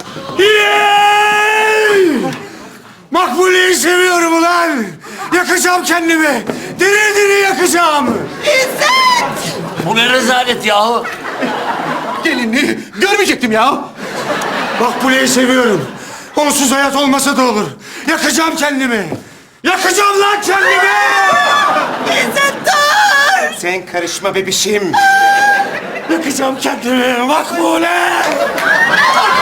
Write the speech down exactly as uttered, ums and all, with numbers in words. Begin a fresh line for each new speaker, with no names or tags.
Yey! Makbule'yi seviyorum ulan. Yakacağım kendimi. Diri diri yakacağım.
Bu ne rezalet yahu?
Gelinliği görmeyecektim ya.
Makbule'yi seviyorum. Onsuz hayat olmasa da olur. Yakacağım kendimi. Yakacağım lan kendimi.
Sen karışma bebişim.
Yakacağım kendimi Makbule.